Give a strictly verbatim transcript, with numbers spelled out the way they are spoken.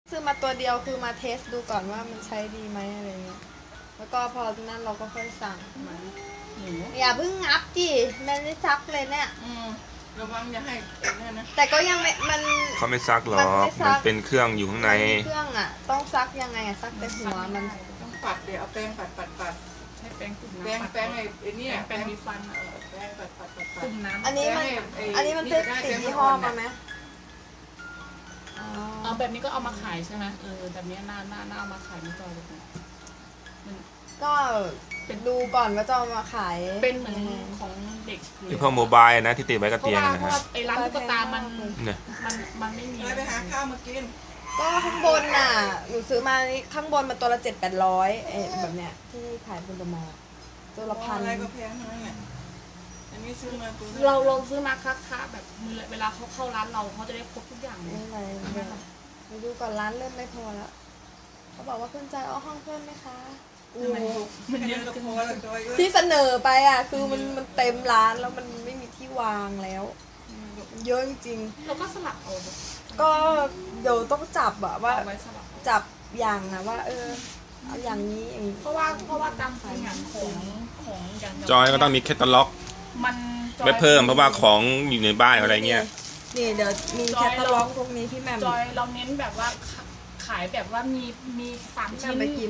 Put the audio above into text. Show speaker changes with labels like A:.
A: ซื้อมาตัวเดียวคือมาเทสดูก่อนว่ามันใช้ดีไหมอะไรเงี้ยแล้วก็พอนั้นเราก็ค่อยสั่งมาอย่าเพิ่งงับดิแม่ไม่ซักเลยเนี่ย
B: ระวังอย่าให้เอ็นนะ
A: แต่ก็ยังไม่มัน
C: เขาไม่ซักหรอกมันเป็นเครื่องอยู่ข้างใน
A: เครื่องอ่ะต้องซักยังไงอ่ะซักแต่หัวมัน
B: ต้องปัดเดี๋ยวเอาแป้งปัดปัดปัด
D: ให้แป้งตุ่มน้ำ
B: แป้งแป้งไอ้นี่
D: แป้งมีฟันเออ
B: แป้งปัดปัดปัดปัด
D: ตุ่มน้ำ
A: อันนี้มันอันนี้มันติดติดยี่ห้อมาไหม
D: เอาแบบนี้ก็เอามาขายใช่ไหมเออแบบนี้หน้าหน้าหน้าเอามาขายไม่จอยเลยมัน
A: ก็เป็นดูก่อนว่าจะเอามาขาย
D: เป็นเหมือนของเด็ก
C: ที่พวกโมบายนะที่ติดไว้กับเตียงนะฮะ
D: ไอ้ร้านตุ๊กตามัน
C: เนี่ย
D: มันมันไม่มี
B: ไปหาข้าวมากิน
A: ก็ข้างบนน่ะหนูซื้อมานี่ข้างบนมันตัวละเจ็ดแปดร้อยเอแบบเนี้ยที่ขายบนตัวมาตัวละพัน
B: อะไรก็แพงทั้งนั้นแหละอันนี้ซื้อมาตัว
D: เราเราซื้อมาค้าค้าแบบมือเวลาเขาเข้าร้านเราเขาจะได้ครบทุกอย่างเลย
A: ไม่ไรไปดูก่อนร้านเริ่มไม่พอแล้วเขาบอกว่าเพื่อนใจเอาห้องเพิ่มไหมคะ
D: มันเยอะจัง
A: ที่เสนอไปอ่ะคือมันมันเต็มร้านแล้วมันไม่มีที่วางแล้วเยอะจริง
D: เราก็สลับเอา
A: ก็เดี๋ยวต้องจับอะว่า
D: ไว้สลับ
A: จับอย่างนะว่าเออเอาอย่างนี้อย่างนี้
D: เพราะว่าเพราะว่าตามขายงานของของอย่าง
C: จอยก็ต้องมีแคตตาล็อก
D: มัน
C: ไม่เพิ่มเพราะว่าของอยู่ในบ้านอะไรเงี้ย
A: นี่เดี๋ยวมีแคตตาล็อกพวกนี้พี่แม่
D: จอยเราเน้นแบบว่าขายแบบว่ามีมีสามชิ้น